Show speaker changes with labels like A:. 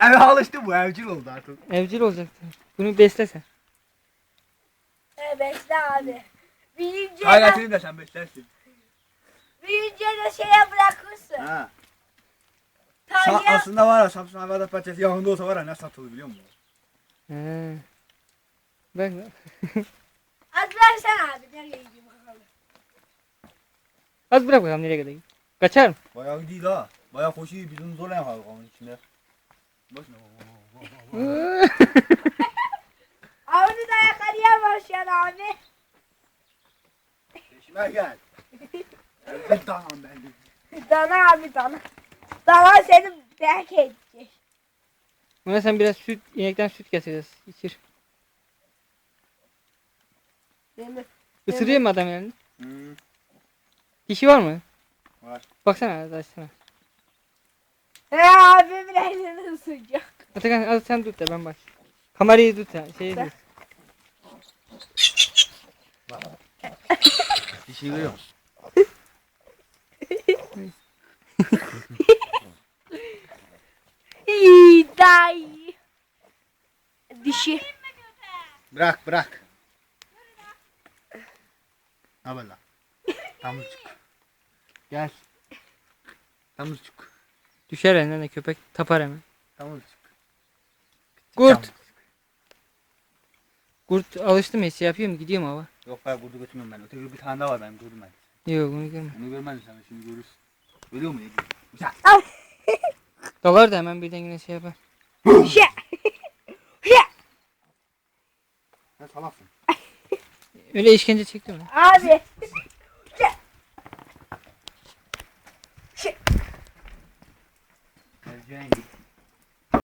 A: Eve alıştı bu evcil oldu artık.
B: Evcil olacaktı. Bunu beslesen.
C: Bekle abi. Büyüyünce
A: Hayretini de sen beslersin.
C: de şeye bırakırsın.
A: Ha.
C: Tarlaya
A: Aslında var ya Samsun Hayvanat Bahçesi yakında olsa var ya ne satılır biliyor musun?
B: He. Bak.
C: az versene abi. Nereye gideyim bakalım.
B: Az bırak bakalım nereye kadar. Kaçar mı?
A: Bayağı değil ha. Bayağı koşuyor biz onu zorla yaparız onun içinde. Başına.
C: Avını da yakalayamaz şu an abi.
A: Peşime gel. Evet tamam ben.
C: Dana abi dana. Dana seni belki edecek.
B: Buna sen biraz süt, inekten süt getireceğiz. İçir.
C: Değil mi?
B: Isırıyor mu adam yani?
A: Hmm.
B: Dişi var mı?
A: Var.
B: Baksana açsana.
C: He abimin elini ısıracak.
B: Atakan al sen tut da ben bak. Kamerayı tut ya. Şeyi tut.
A: Bir şey görüyor musun?
C: İyi dayı. Dişi.
A: Bırak bırak. Ne haber lan? Tamırcık. Gel. Tamırcık.
B: Düşer elinden de köpek tapar hemen.
A: Tamırcık.
B: Kurt. Kurt alıştı mı? Şey yapıyor mu? Gidiyor mu hava?
A: Yok ben burada götürmüyorum ben. Öteki bir tane daha var benim gördüm ben.
B: Yok bunu görme.
A: Onu görmedin sen şimdi görürsün. Görüyor musun? Güzel.
B: Dalar da hemen birden yine şey yapar.
C: Şey.
A: Sen salaksın.
B: Öyle işkence çekti mi?
C: Abi.
A: Geleceğin git.